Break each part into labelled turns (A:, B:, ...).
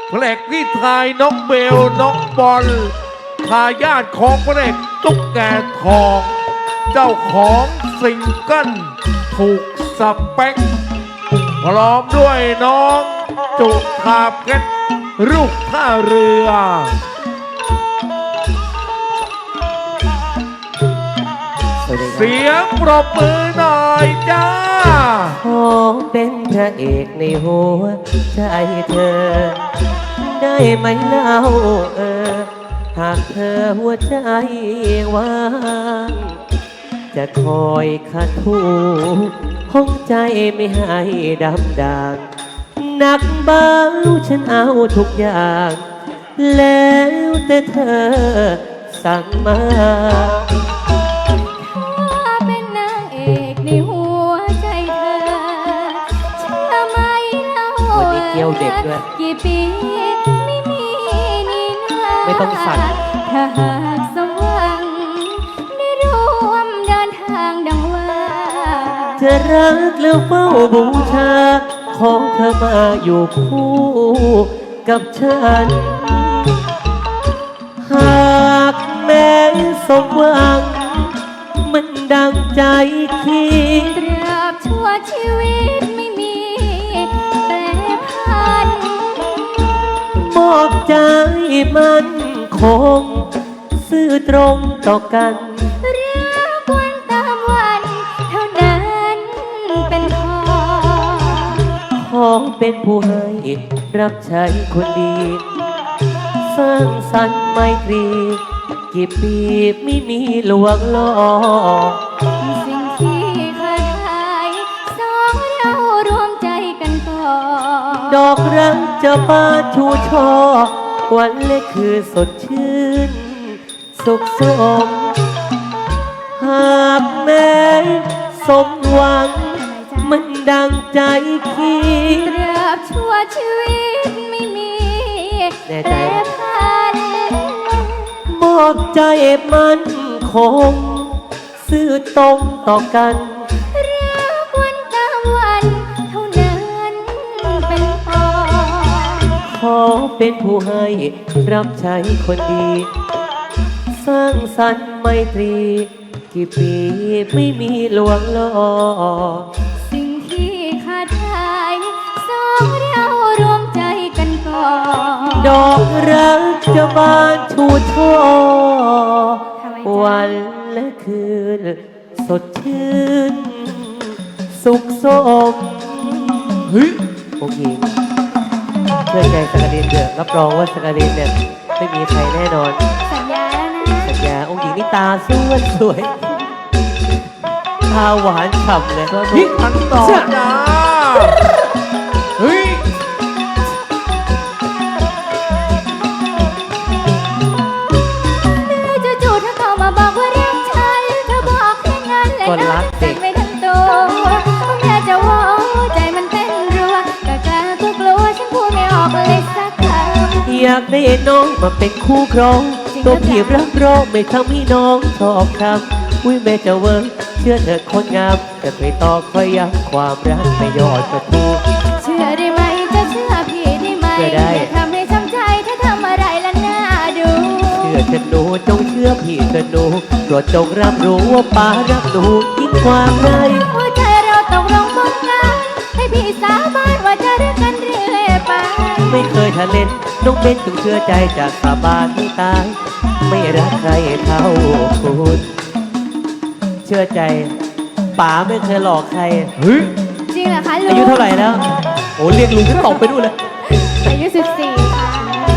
A: พระเอกพี่ทายน้องเบลน้องบอลทายาทของพระเอกตุ๊กแกทองเจ้าของซิงเกิลถูกสเปคพร้อมด้วยน้องจุธาเพชรลูกท่าเรือเสียงปรบมือหน่อยจ้า
B: ขอเป็นพระเอกในหัวใจเธอได้ไหมเล่าหากเธอหัวใจว่างจะคอยขัดถูห้องใจไม่ให้ดำด่างหนักเบาฉันเอาทุกอย่างแล้วแต่เธอสั่งมา
C: เป็นนางเอกในหัวใจเธอเชื่อไหมเล่า
B: วันนี้เกี่ยวเด็กด้วย
C: กี่ปีไม่มีนี่นา
B: ไม่ต้องสั่น
C: ถ้าหากสมหวังได้ร่วมเดินทางดังว่า
B: จะรักแล้วเฝ้าบูชาของเธอมาอยู่คู่กับฉันหากแม้สมหวังมันดังใจคิด
C: ตราบชั่วชีวิตไม่มีแปรผัน
B: มอบใจมันคงซื่อตรงต่อกัน
C: รักวันตามวันเท่านั้นเป็น
B: ขอเป็นผู้ให้รับใช้คนดีสร้างสรรค์ไมตรีกี่ปีไม่มีลวงล้อ
C: สิ่งที่เคยขายสองเรารวมใจกันก่อ
B: ดอกรักจะบานชูช่อวันเล็กคือสดชื่นสุขสมหากแม้สมหวังมันดังใจคิด
C: ตราบชั่วชีวิตไม่มี
B: แน่ใจ
C: ผัน
B: มอบใจมันคงซื่อตรงต่อกัน
C: รักวันตามวันเท่านั้นเป็น
B: ขอเป็นผู้ให้รับใช้คนดีสร้างสรรค์ไมตรีกี่ปีไม่มีลวงล้อ
C: สิ่งที่ขาดหายสองเรารวมใจกันก่อ
B: ดอกรักจะบานชูช่อวันและคืนสดชื่นสุขสม
A: เฮ้ย
B: โอเคเชื่อใจสักการินเถอะรับรองว่าสักการินเนี่ยไม่มีใครแน่นอน
C: สัญญาแล้วนะ
B: สัญญาองค์หญิงนี่ตาสวยตาหวานฉ่ำเลย
A: ฮิตทันต่อจ้าเฮ้ย
C: จู่ๆเธอเข้ามาบอกว่ารักฉันเธอบอกแค่นั้นและน้องสั่นไม่ทั้งตัวแค่จะว่าใจมันเต้นรัวกะกะก็กลัวฉันพูดไม่ออกเลยสักคำ
B: อยากได้น้องมาเป็นคู่ครองตัวพี่รับรองไม่ทำให้น้องชอบคำอุ้ยแม่จะเวิร์กเชื่อเธอคนงามจะไปต่อคอยย้ำความรักไม่ยอดประตู
C: เชื่อได้ไหมจะเชื่อพี่ได้ไหมอย่าทำให้ช้ำใจถ้าทำอะไรละน่าดู
B: เชื่อฉันหนูจงเชื่อพี่เธอหนูโปรดจงรับรู้ว่าป้ารักหนูยิ่งกว่าใคร
C: หัวใจเราตกลงปนกันให้พี่สาบานว่าจะรักกันเรื่อยไป
B: ไม่เคยทะเลนน้องเบนจงเชื่อใจจากสาบานให้ตายไม่รักใครเท่าคุณเชื่อใจป๋าไม่เคยหลอกใคร
A: เฮ้ย
C: จริงเหรอคะลุง
B: อายุเท่าไหร่แล้วโอ้เรียกลุงก็ตกไปดูเลย
C: อายุ14ค่ะ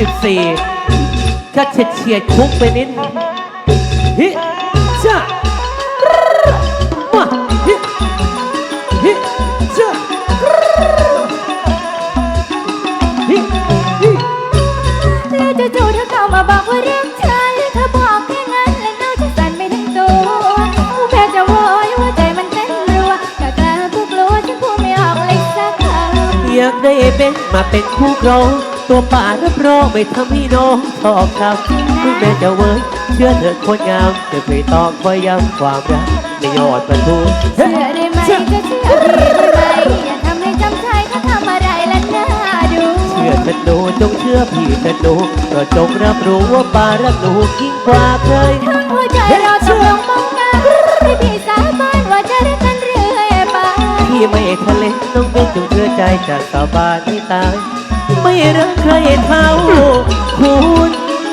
B: 14ก็เฉียดคุกไปนิดฮิจ้ามาฮิจ้าฮิ
C: แล้วจู่ๆเธอเข้ามาบอกว่ารักฉันเธอบอกแค่นั้นและน้องฉันสั่นไม่ทั้งตัวแค่จะโวยว่าใจมันเต้นรัวกะกะก็กลัวฉันพูดไม่ออกเลยสักคำ
B: อยากได้เป็นมาเป็นคู่ครองตัวป่ารับรองไม่ทำให้น้องชอบคำคุณแม่จะเวิร์กเชื่อเธอคนงามจะเคยตอกคอยย้ำความรักในยอดประตู
C: เชื่อได้ไหมจะเชื่อพี่ได้ไหมอย่าทำให้จำใจถ้าทำอะไรแล้วน่าดู
B: เชื่อเธธนูจงเชื่อพี่ธนูก็จงรับรู้ว่าปารักหนูยิ่งกว่าเคย
C: ทั้งหัวใจเราตกลงมองหน้าให้พี่สาบานว่าจะรักกันเรื่อยไป
B: พี่ไม่ทะเลน้องเป็นจงเชื่อใจจากสาบานให้ตาย ไม่รักใครเท่าคุณ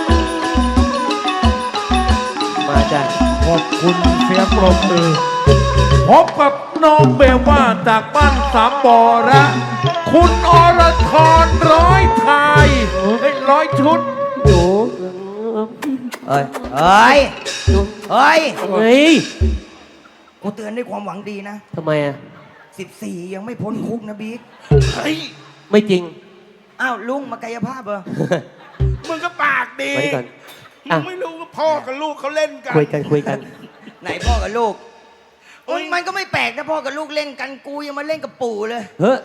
B: มาจ้ะ
A: ขอบคุณเสียงปรบมือพบกับน้องเบลว่าจากบ้านสามบ่อและคุณอรทรร้อยไทยร้อยชุด
B: หนู
D: เอ้ยเอ้ยเอ้ย
B: เฮ้ย
D: กูเตือนด้วยความหวังดีนะ
B: ทำไมอ่ะ
D: 14 ยังไม่พ้นคุกนะบิ๊ก
E: เฮ้ย
B: ไม่จริง
D: อ้าวลุงมากายภาพเหรอ
E: มึงก็ปากดี
B: ไว้ก่อน
E: มึ
B: อ่ะ
E: งไม่รู้ว่าพ่อกับลูกเขาเล่นกัน
B: คุยกันคุยกัน
D: ไหนพ่อกับลูกมันก็ไม่แปลกนะพ่อกับลูกเล่นกันกูยังมาเล่นกับปู่เลย
B: เฮ้ย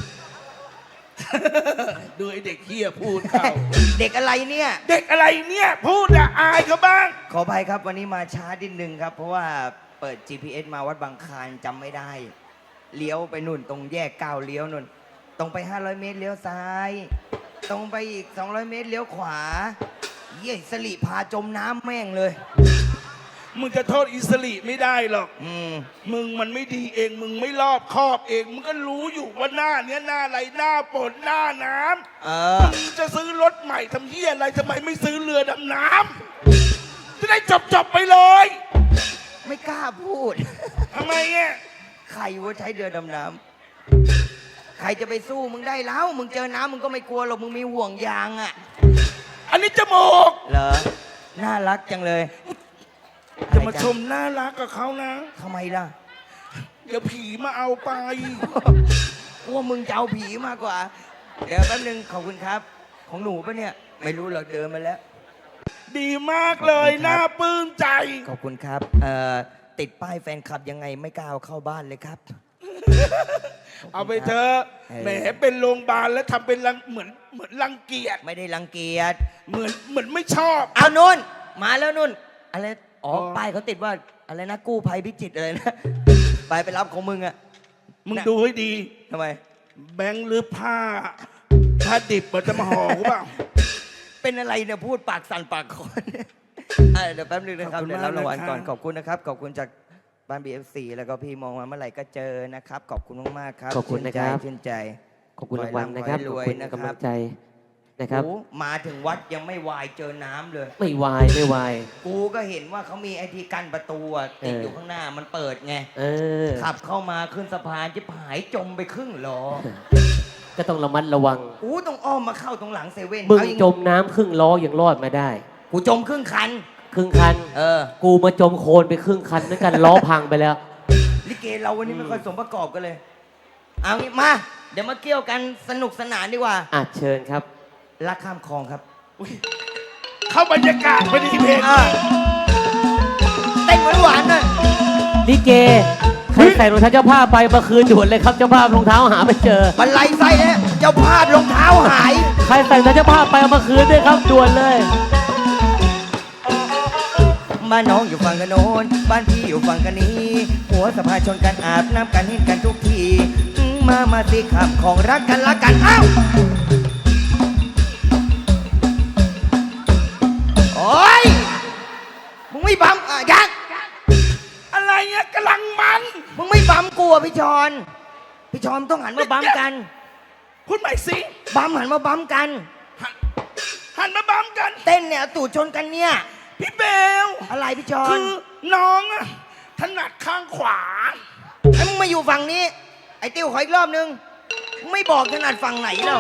E: ดูไอเด็กเฮียพูดเขา
D: เด็กอะไรเนี่ย
E: เด็กอะไรเนี่ย พูดอะอายเขาบ้าง
D: ขออภัยครับวันนี้มาช้านิดนึงครับ เพราะว่าเปิด GPS มาวัดบางคลานจำไม่ได้ เลี้ยวไปนู่นตรงแยกก้าวเลี้ยวนู่นตรงไป 500 เมตรเลี้ยวซ้าย ตรงไปอีก 200 เมตรเลี้ยวขวาเยี่ยสลิพาจมน้ำแม่งเลย
E: มึงจะโทษอิสริไม่ได้หรอก มึงมันไม่ดีเอง มึงไม่รอบคอบเอง มึงก็รู้อยู่ว่าหน้าเนี้ยหน้าอะไรหน้าฝนหน้าน้ำมึงจะซื้อรถใหม่ทำเหี้ยอะไรทำไมไม่ซื้อเรือดำน้ำจะได้จบไปเลย
D: ไม่กล้าพูด
E: ทำไมเนี่ย
D: ใครว่าใช้เรือดำน้ำใครจะไปสู้มึงได้แล้ว มึงเจอน้ำมึงก็ไม่กลัวหรอก มึงมีห่วงยางอ่ะ
E: อันนี้จมูก
D: เหรอ น่ารักจังเลย
E: จะมาชมน่ารักกับเขานะ
D: ทำไมล่ะ
E: เดี๋ยวผีมาเอาไป
D: กลัวมึงจะเอาผีมากกว่า เดี๋ยวแป๊บนึงขอบคุณครับ ของหนูปะเนี่ย ไม่รู้หรอกเดินมาแล้ว
E: ดีมากเลยน่าปลื้มใจ
D: ขอบคุณครับ ติดป้ายแฟนคลับยังไงไม่กล้าเอาเข้าบ้านเลยครับ
E: เอาไปเถอะแหมเป็นโรงพยาบาลแล้วทำเป็นเหมือนรังเกียจ
D: ไม่ได้รังเกียจ
E: เหมือนไม่ชอบ
D: เอานุ่น มาแล้วนุ่น อะไร อ๋อ
E: อ๋อ
D: ป้ายเขาติดว่าอะไรนะกู้ภัยพิจิตรอะไรนะ ไปรับของมึงอะ
E: มึงดูให้ดี
D: ทำไม
E: แบงค์หรือผ้าดิบมันจะมาห่อกูเปล่า
D: เป็นอะไรเนี่ยพูดปากสั่นปากคอนเดี๋ยวแป๊บนึงนะครับ
E: ขอบคุณ
D: เดี๋ยวรับรางวัล
E: มาก
D: ก่อน
E: นะครับ
D: ขอบคุณนะครับ ขอบคุณจากบ้าน BFC แล้วก็พี่มองมาเมื่อไหร่ก็เจอนะครับ ขอบคุณมากๆครับ
B: ขอบคุณนะครับ
D: ชื่นใจ
B: ขอบคุณรางวัลนะครับ
D: ข
B: ข
D: อ
B: อบ
D: ให้
B: คุณ
D: ร่ำขอให้รวยนะค
B: กำลั
D: รับ
B: งใจนะครับ
D: โอ้มาถึงวัดยังไม่วายเจอน้ำเลย
B: ไม่วายไม่วาย
D: กูก็เห็นว่าเขามีไอทีกั้นประตูอะติดอยู่ข้างหน้ามันเปิดไง
B: เออ
D: ขับเข้ามาขึ้นสะพานจะหายจมไปครึ่งล้อ
B: ก็ต้องระมัดระวัง
D: อู้ต้องอ้อมมาเข้าตรงหลังเซเว่น
B: มึง
D: เอาอย่าง
B: จมน้ำครึ่งล้อยังรอดมาได้
D: กูจมครึ่งคัน
B: ครึ่งคัน กูมาจมโคลนไปครึ่งคันเหมือนกันล้อพังไปแล้ว
D: ลิเกเราวันนี้ไม่ค่อยสมประกอบกันเลย เอางี้มา เดี๋ยวมาเกี่ยวกันสนุกสนานดีกว่า
B: อ่ะเชิญครับ
D: รักข้ามคลองครับ
E: เข้าบรรยากาศพอดีเพลง
D: เต้นหวานๆหน่อย
B: ลิเก ใครใส่รองเท้าเจ้าภาพไปเมื่อคืนด่วนเลยครับเจ้าภาพรองเท้าหาไม่เจอ
D: บันไลไส้เนี่ยเจ้าภาพรองเท้าหาย
B: ใครใส่รองเท้าเจ้าภาพไปเอามาคืนด้วยครับด่วนเลย
D: บ้านน้องอยู่ฝั่งกันโน้นบ้านพี่อยู่ฝั่งกันนี้ หัวสะพานชนกันอาบน้ำกันเห็นกันทุกทีมาสิขับของรักกันละกันอ้าวโอ้ยมึงไม่บัมยักษ์
E: อะไรเนี่ยกำลังมัน
D: มึงไม่บัมกูอ่ะพี่ชอนพี่ชอนต้องหันมาบัมกัน
E: พูดใหม่สิ
D: บัมหันมาบัมกัน
E: หันมาบัมกัน
D: เต้นเนี่ยตูดชนกันเนี่ย
E: พี่เบล
D: อะไรพี่ชอ
E: คื
D: น
E: อน้องอะถนัดข้างขวา
D: ไอ้มึงมาอยู่ฝั่งนี้ ไอ้ติ้วขออีกรอบนึงมึงไม่บอกถนัดฝั่งไหนแล้ว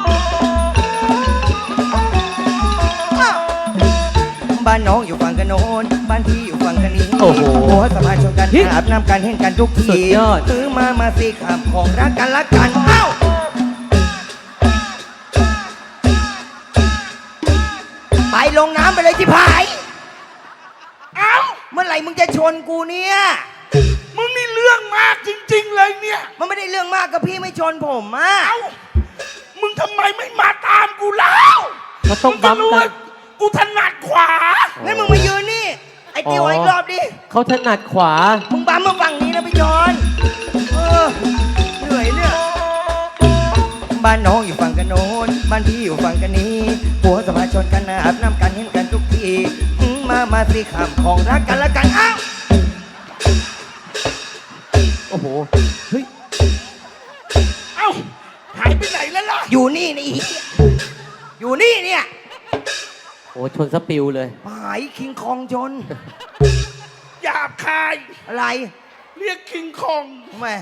D: บ้านน้องอยู่ฝั่งกันโน้นบ้านพี่อยู่ฝั่งกันนี้
B: โอ้โห
D: หัวสะพานชนกันอาบน้ำกันเห็นกันทุก
B: สุ
D: ที
B: ดยอด
D: มาสิขับของรักกันละกันเอ้าไปลงน้ำไปเลยที่พาย
E: เอ้า
D: เมื่อไหร่มึงจะชนกูเนี่ย
E: มึงนี่เรื่องมากจริง ๆ เลยเนี่ย
D: มันไม่ได้เรื่องมากกับพี่ไม่ชนผมอ่ะ
E: เอ้า มึงทำไมไม่มาตามกูแล้ว
B: เขาต้อง
E: จะ
B: บัม
E: รู้
B: กั
E: ว่าน กูถนัดขวา
D: งั้นมึงมายืนนี่ ไอ้ติ้ว
B: อ๋อ
D: อีกรอบดิ
B: เขาถนัดขวา
D: มึงบัมมาฝั่งนี้นะพี่ชอนเหนื่อยเนี่ยบ้านน้องอยู่ฝั่งกันโน้นบ้านพี่อยู่ฝั่งกันนี้ผัวสมาชนกันอาบน้ำกันเห็นกันทุกทีมาสิขำของรักกันละกันอ้าว
B: โอ้โห เฮ้ย
E: เอ้าหายไปไหนแล้วล่ะ
D: อยู่นี่นี่อยู่นี่เนี่ย
B: โอ้ชนสปิวเลย
D: หายคิงคองชน
E: หยาบคาย
D: อะไร
E: เรียกคิงคอง
D: ทำไม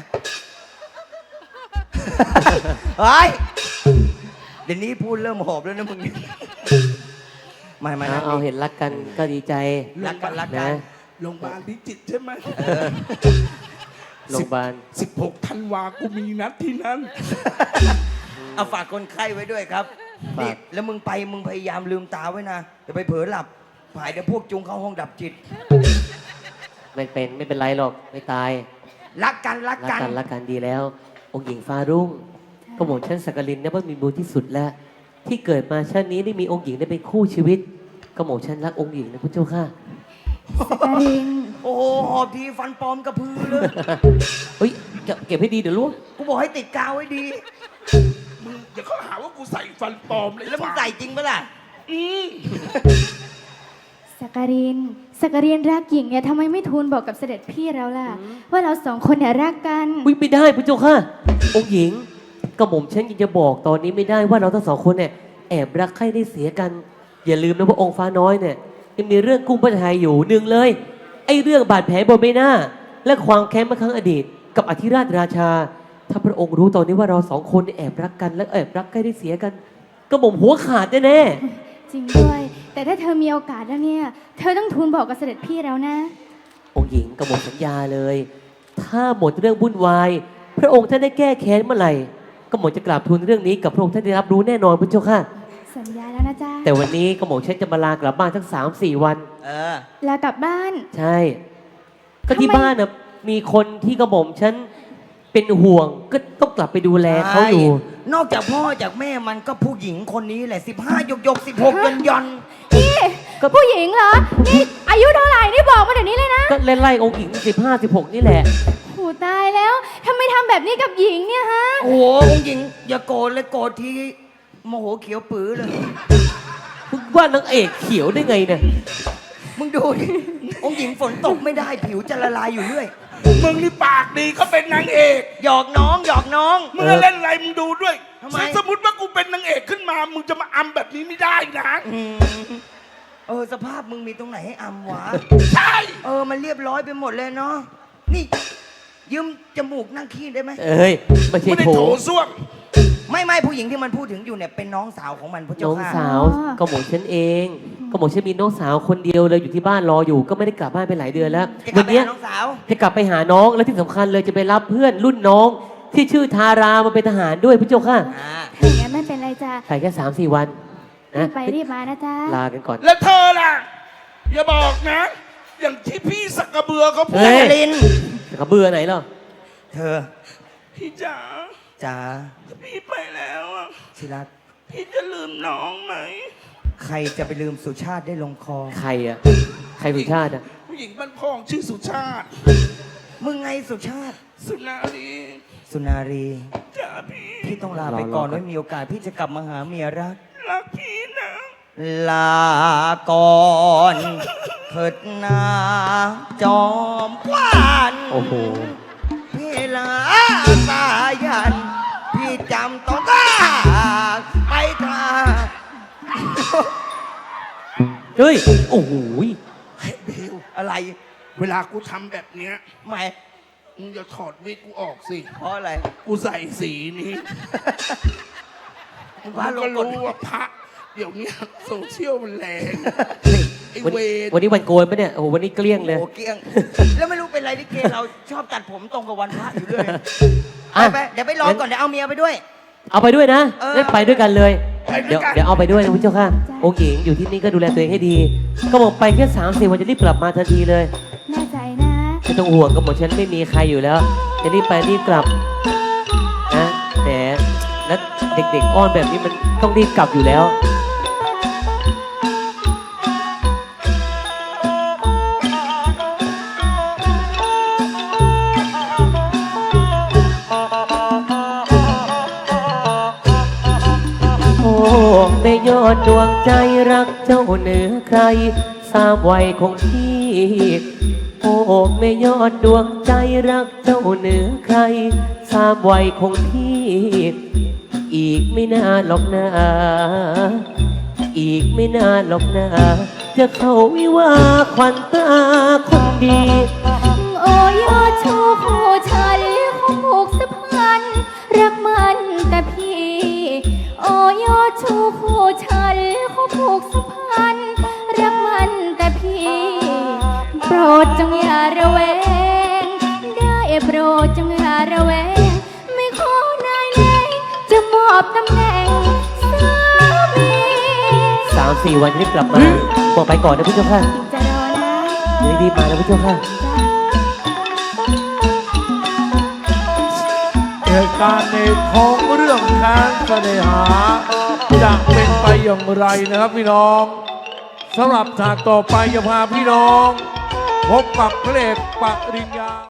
D: เฮ้ยเดี๋ยวนี้พูดเริ่มหอบแล้วนะมึงไม่นะ
B: เอาเห็นรักกันก็ดีใจ
D: รักกัน
B: นะ
E: โรงพยาบาลพิจิตรใช่ไหม
B: โรงพยาบาล
E: 16 ธันวากูมีนัดที่นั่น
D: เอาฝากคนไข้ไว้ด้วยครับ
B: ฝาก
D: นี่แล้วมึงพยายามลืมตาไว้นะอย่าไปเผลอหลับผายเดี๋ยวพวกจุงเข้าห้องดับจิต
B: ไม่เป็นไรหรอก ไม่ตาย
D: รักกัน
B: รักกันดีแล้ว องค์หญิงฟ้ารุ่งก็หม่อมฉันสักกลินเนี่ยว่ามีบุญที่สุดแล้ว ที่เกิดมาชาตินี้ได้มีองค์หญิงได้เป็นคู่ชีวิต ก็หม่อมฉันรักองค์หญิงนะพระเจ้าค่ะ
C: สักการิน
D: โอ้โหหอบทีฟันปลอมกระพือเลย
B: เฮ้ยเก็บให้ดีเดี๋ยวรู้
D: กูบอกให้ติดกาวไว้ดี
E: มึงอย่าเขาหาว่ากูใส่ฟันปลอมเลย
D: แล้วมึงใส่จริงปะล่ะ
E: อืม
C: สักการินรักหญิงเนี่ยทำไมไม่ทูลบอกกับเสด็จพี่เราล่ะ ว่าเราสองคนเนี่ยรักกัน
B: วิ่งไม่ได้พระเจ้าค่ะ องค์หญิงก็หม่อมฉันยังจะบอกตอนนี้ไม่ได้ว่าเราทั้งสองคนเนี่ยแอบรักใคร่ได้เสียกัน อย่าลืมนะว่าองค์ฟ้าน้อยเนี่ยยังมีเรื่องกุ้งพระไทยอยู่หนึ่งเลยไอ้เรื่องบาดแผลบนใบหน้า และความแค้นเมื่อครั้งอดีต กับอธิราชราชา ถ้าพระองค์รู้ตอนนี้ว่าเราสองคนเนี่ยแอบรักกันและแอบรักใคร่ได้เสียกัน ก็หม่อมหัวขาดแน่
C: จริงด้วย แต่ถ้าเธอมีโอกาสแล้วเนี่ย เธอต้องทูลบอกกับเสด็จพี่แล้วนะ
B: ๆองค์หญิงก็หมดสัญญาเลย ถ้าหมดเรื่องวุ่นวาย พระองค์ท่านได้แก้แค้นเมื่อไหร่ ก็หมดจะกราบทูลเรื่องนี้กับพระองค์ท่านได้รับรู้แน่นอนพระเจ้าค่ะ
C: สัญญาแล้วนะจ๊ะ
B: แต่วันนี้ก็หมอฉันจะมาลากลับบ้านทั้ง3-4 วัน
D: เออ
C: ลากลับบ้าน
B: ใช่ ก็ที่
C: ทำไม
B: บ้านน่ะมีคนที่กระหม่อมฉันเป็นห่วง ก็ต้องกลับไปดูแลเขาอยู่
D: นอกจากพ่อจากแม่มันก็ผู้หญิงคนนี้แหละ15หยก16ย่อน
C: นี่
B: ก็
C: ผู้หญิงเหรอ นี่อายุเท่าไหร่นี่บอกมาเดี๋ยวนี้เลยนะ
B: ก็ไล่องค์หญิง15-16 นี่แหละ
C: โหตายแล้วทำไมทำแบบนี้กับหญิงเนี่ยฮะ
D: โอ้โหองค์หญิงอย่าโกรธเลยโกรธทีโมโหเขียวปื้อเลย
B: มึงว่านางเอกเขียวได้ไงเนี่ย
D: มึงดูดิองค์หญิงฝนตกไม่ได้ผิวจะละลายอยู่เรื่อย
E: มึงนี่ปากดีเขาเป็นนางเอก
D: หยอกน้องหยอกน้อง
E: มึงเล่นอะไรมึงดูด้วย
D: ทำไม
E: สมมติว่ากูเป็นนางเอกขึ้นมา มึงจะมาอำแบบนี้ไม่ได้นะ
D: สภาพมึงมีตรงไหนให้อำวะ
E: ใช่
D: มันเรียบร้อยไปหมดเลยเนาะนี่ยืมจมูกนั่งขี้ได้ไหม
B: เอ้ยไม่ใช่
E: ไม่ได้
B: โถ
E: โถส้วม
D: ไม่ผู้หญิงที่มันพูดถึงอยู่เนี่ยเป็นน้องสาวของมันพระ
B: น้
D: เจ้า
B: อง
D: ค่ะ
B: สาว
C: อ๋อ
B: ก็หมอฉันเอง ก็หมอฉันมีน้องสาวคนเดียวเลยอยู่ที่บ้านรออยู่ ก็ไม่ได้กลับบ้านไปหลายเดือนแล้ว
D: จะกลั
B: วั
D: บ
B: น
D: ไป
B: เนี้ย
D: หาน้องสาว
B: จะกลับไปหาน้องและที่สำคัญเลยจะไปรับเพื่อนรุ่นน้อง ที่ชื่อทารามาเป็นทหารด้วยพระเจ้าค่ะ
C: ถ้าอย่างนั้นไม่เป็นไรจ้ะ
B: ไปแค่3-4 วัน
C: รี
B: นะ
C: บไปรีบมานะจ๊ะ
B: ลากันก่อน
E: แล้วเธอล่ะ อย่าบอกนะ อย่างที่พี่สักกระเบือเขาพู
B: เฮ้
E: ด
B: ย
D: ลิน
B: กระเบือไหนเหรอ
D: เธอ
E: พี่จ๋า
D: จ๋า
E: ถ้าพี่ไปแล้วอะ
D: ชิรัก
E: พี่จะลืมน้องไหม
D: ใครจะไปลืมสุชาติได้ลงคอ
B: ใครอ่ะ ใครสุชาติอ่ะ
E: ผู้หญิงบ้านพองชื่อสุชาติ
D: มึงไงสุชาติ
E: สุนารี
D: สุนารี
E: จ๋าพี่
D: พี่ต้องลาไปก่อน
B: รอก่อน
D: ไว้มีโอกาสพี่จะกลับมาหาเมียรัก
E: รักพี่นะ
D: ลาก่อนเถิดนาจอมกวาน
B: โอ้โห
D: พี่ลาสายัน พี่จำต้องกาไปทาง
B: เฮ้ย โอ้โห
E: เฮ้ยเบล
D: อะไร
E: เวลากูทำแบบเนี้ย
D: ไม่
E: มึงอย่าถอดวิกกูออกสิ
D: เพราะอะไร
E: กูใส่สีนี้
D: มึง
E: มึ
D: พาง ล
E: ก็
D: งกฎ
E: รู้ว่าพระเดี๋ยวเนี้ยโซเชียลมันแรง ไอ้
B: วัน
E: เวร
B: วันนี้วันโกนปะเนี่ย โอ้โห วันนี้เกลี้ยงเลย
D: โอ้เกลี้ยง แล้วไม่รู้เป็นไรที่เกเราชอบตัดผมตรงกับวันพระอยู่เรื่อย
B: อ่ะ
D: ไปเดี๋ยวไปรอก่อนเดี๋ยวเอาเมียไปด้วย
B: เอาไปด้วยนะ
D: เออ
B: งั้นไปด้วยกันเลย
E: ไปด้
B: เดี๋
E: วย ยว กัน
B: เดี๋ยวเอาไปด้วยนะคุณเจ้าค่ะ องค์หญิงอยู่ที่นี่ก็ดูแลตัวเองให้ดี ก็บอกไปแค่3-4 วันจะรีบกลับมาทันทีเลย
C: แน่ใจนะ
B: ไม่ต้องห่วงก็บอกฉันไม่มีใครอยู่แล้ว จะรีบไปรีบกลับนะแหมแล้วเด็กๆอ้อนแบบนี้มันต้องรีบกลับอยู่แล้วอดดวงใจรักเจ้าเหนือใครทราบไว้ของพี่โอ้ไม่ยอดดวงใจรักเจ้าเหนือใครทราบไว้ของพี่อีกไม่นานหรอกนะอีกไม่นานหรอกนะจะเข้าวิวาห์ขวัญตาคนดี
C: โอ้ยอดชูคู่ฉันคงผูกสัมพันธ์รักมันแต่พี่ โอ้ยอดชูคู่ฉันคงผูกสัมพันธ์รักมันแต่พี่ โปรดจงอย่าระแวงได้โปรดจงอย่าระแวงไม่ขอนายแรงจะมอบตำแหน่งสามี
B: 3-4 วันรีบกลับมาบอกไปก่อนนะพี่เจ้าค่ะ
C: จะรอนะ
B: เดี๋ยวรีบมานะพี่เจ้าค่ะ
A: เหตุการณ์ในท้องเรื่องการเสน่หาจะเป็นไปอย่างไรนะครับพี่น้องสำหรับฉากต่อไปจะพาพี่น้องพบกับพระเอกปริญญา